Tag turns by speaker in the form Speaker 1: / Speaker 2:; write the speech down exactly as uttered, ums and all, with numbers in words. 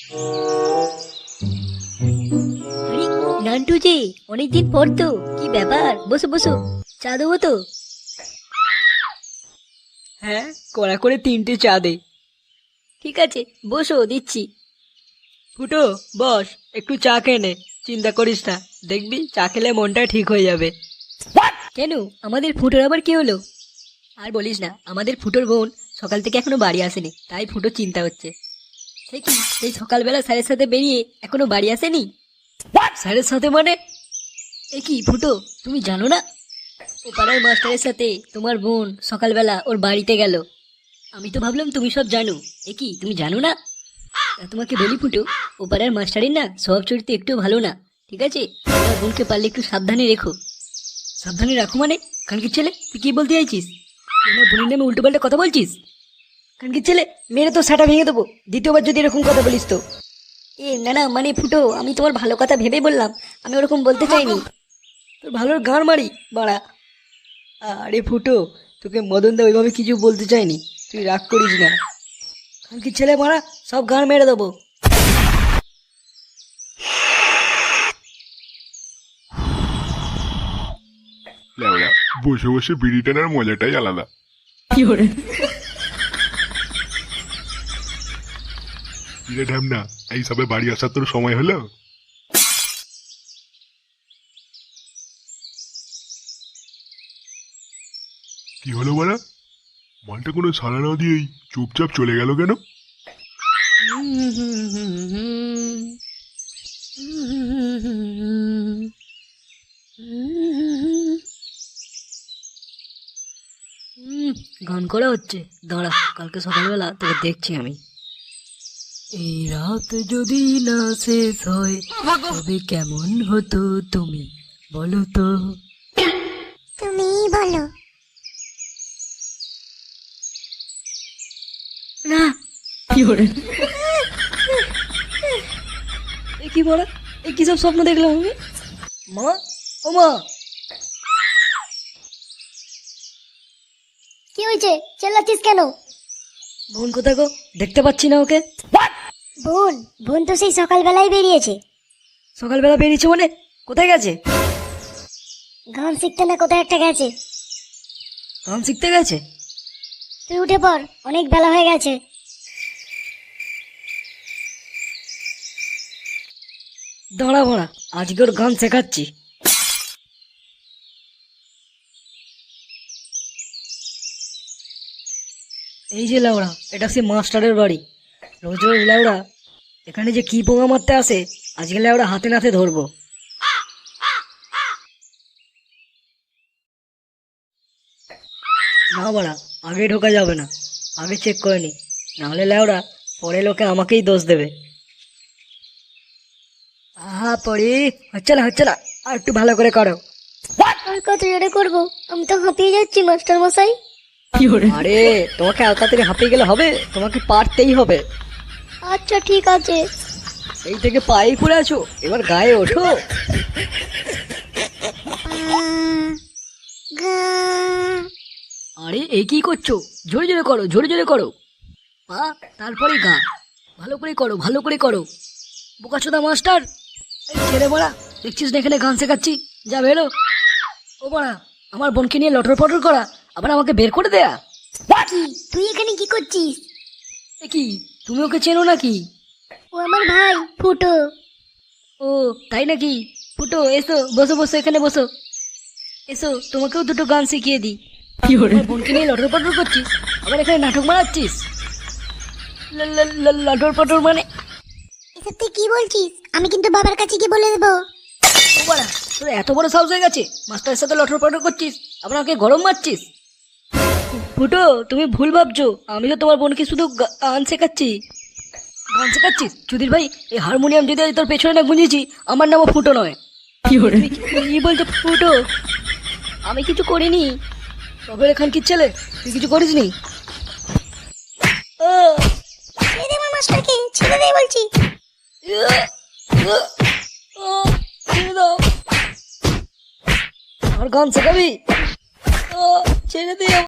Speaker 1: আরে নান্টু যে অনেকদিন পর তো, কি ব্যাপার? বসো বসো, চা দেবো তো?
Speaker 2: হ্যাঁ, কড়া করে তিনটে চা দে।
Speaker 1: ঠিক আছে, বসো, দিচ্ছি।
Speaker 2: ফুটো, বস, একটু চা খেয়ে নে। চিন্তা করিস না, দেখবি চা খেলে মনটা ঠিক হয়ে যাবে।
Speaker 1: কেন, আমাদের ফুটোর আবার কি হলো? আর বলিস না, আমাদের ফুটোর বোন সকাল থেকে এখনো বাড়ি আসেনি, তাই ফুটোর চিন্তা হচ্ছে। সে কি সেই সকালবেলা স্যারের সাথে বেরিয়ে এখনো বাড়ি আসেনি?
Speaker 2: স্যারের সাথে মানে?
Speaker 1: এ কি ফুটো, তুমি জানো না? ও পাড়ার মাস্টারের সাথে তোমার বোন সকালবেলা ওর বাড়িতে গেল। আমি তো ভাবলাম তুমি সব জানো। এ কি, তুমি জানো না? তা তোমাকে বলি ফুটো, ও পাড়ার মাস্টারের না স্বভাব চরিত্র একটু ভালো না, ঠিক আছে? তোমার বোনকে পারলে একটু সাবধানে রেখো। সাবধানে রাখো মানে? কানকির ছেলে, তুই কি বলতে চাইছিস? তুই আমার বোনের নামে উল্টো পাল্টা কথা বলছিস? কানকির ছেলে, মেরে তো সাটা ভেঙে দেবো দ্বিতীয়বার যদি এরকম কথা বলিস তো। এ না না, মানে ফুটো, আমি তোমার ভালো কথা ভেবে বললাম, আমি ওরকম বলতে চাইনি।
Speaker 2: তোর ভালোর গাঁড় মারি বাড়া। আরে ফুটো, তোকে মদন দা ওইভাবে কিছু বলতে চাইনি, তুই রাগ করিস না। কালকে ছেলে মারা, সব গাঁড় মেরে দেবো।
Speaker 3: লেওড়া, বসে বসে বিড়ি টানার মজাটাই আলাদা।
Speaker 2: কি করে?
Speaker 3: কিরে ঢ্যামনা, এই সবে বাড়ি আসার তোর সময় হলো? কি হলো বাড়া? মালটা কোনো সাড়া না দিয়েই চুপচাপ চলে গেল কেন?
Speaker 1: হুম, গান করা হচ্ছে, দাঁড়া, কালকে সকালবেলা তোকে দেখছি আমি।
Speaker 2: এই রাত যদি না শেষ হয় তবে কেমন হতো তুমি বলো তো?
Speaker 4: তুমি বলো।
Speaker 1: না,
Speaker 2: কি করে?
Speaker 1: এ কি বড়া, এ কি সব স্বপ্ন দেখলাম আমি? মা, ও মা!
Speaker 4: কি হয়েছে, চেল্লাচ্ছিস কেন?
Speaker 1: বোন কোথায় গো? দেখতে পাচ্ছি না ওকে।
Speaker 4: বোন? বোন তো সেই সকালবেলায় বেরিয়েছে।
Speaker 1: সকালবেলা বেরিয়েছে মানে? কোথায় গেছে?
Speaker 4: গান শিখতে না কোথায় একটা গেছে।
Speaker 1: গান শিখতে গেছে?
Speaker 4: তুই উঠে পড়, অনেক বেলা হয়ে গেছে।
Speaker 1: দাঁড়া বড়া, আজকে ওর গান শেখাচ্ছি। এই যে লাউড়া, এটা সে মাস্টারের বাড়ি। রোজ রোজ লাউড়া এখানে যে কি পোঙা মারতে আসে, আজকে লাউড়া হাতে নাতে ধরবো। না বাড়া, আগে ঢোকা যাবে না, আগে চেক করে নি, নাহলে লাউড়া পরে লোকে আমাকেই দোষ দেবে। আহা পড়ি, হচ্ছে না হচ্ছে না, আর একটু ভালো করে করো।
Speaker 4: আর কত জোরে করবো, আমি তো হাঁপিয়ে যাচ্ছি মাস্টার মশাই।
Speaker 2: কি করে?
Speaker 1: আরে তোমাকে এত তাড়াতাড়ি হাঁপিয়ে গেলে হবে? তোমাকে পারতেই হবে।
Speaker 4: আচ্ছা ঠিক আছে।
Speaker 1: সেই থেকে পায়ে পড়ে আছো, এবার গায়ে ওঠো।
Speaker 4: আহ, গা।
Speaker 1: আরে এ কি করছো? জোরে জোরে করো, জোরে জোরে করো। পা, তারপরে গা। ভালো করে করো, ভালো করে করো। বোকাচোদা মাস্টার, এই ছেলে বড়া, দেখছিস না এখানে গান শেখাচ্ছি? যা বেরো। ও বড়া, আমার বোনকে নিয়ে লটর পটর করা, আবার আমাকে বের করে দেয়া।
Speaker 4: কি, তুই এখানে কি করছিস?
Speaker 1: এ কি, তুমি ওকে চেনো নাকি?
Speaker 4: ও আমার ভাই ফুটো।
Speaker 1: ও তাই নাকি? ফুটো, এসো, বসো বসো, এখানে বসো। এসো, তোমাকেও দুটো গান শিখিয়ে দিই।
Speaker 2: কি করে?
Speaker 1: আমার বোনকে নিয়ে লটর পটর করছিস, আবার এখানে নাটক মারাচ্ছিস। ল- ল- ল- লটর পটর মানে?
Speaker 4: এসব তুই কি বলছিস? আমি কিন্তু বাবার কাছে কি বলে দেবো।
Speaker 1: ও বাড়া, তোর এত বড় সাহস হয়ে গেছে মাস্টারের সাথে লটর পটর করছিস, আবার আমাকে গরম মারছিস। ফুটো, তুমি ভুল ভাবছো, আমি তো তোমার বোনকে শুধু গা- গান শেখাচ্ছি। গান শেখাচ্ছিস চুদির ভাই? এই হারমোনিয়াম যদি আজ তোর পেছনে না গুঁজেছি, আমার নামও ফুটো নয়।
Speaker 2: কি করে?
Speaker 1: তুই কি- কি বলছো ফুটো? আমি কিছু করিনি। তবে এখান কি ছেলে, তুই কিছু করিসনি? ও,
Speaker 4: ছেড়ে দে আমার মাস্টারকে, ছেড়ে দে বলছি।
Speaker 1: ও, ও, ছেড়ে দাও। আর গান শেখাবি? ও, ছেড়ে দিও।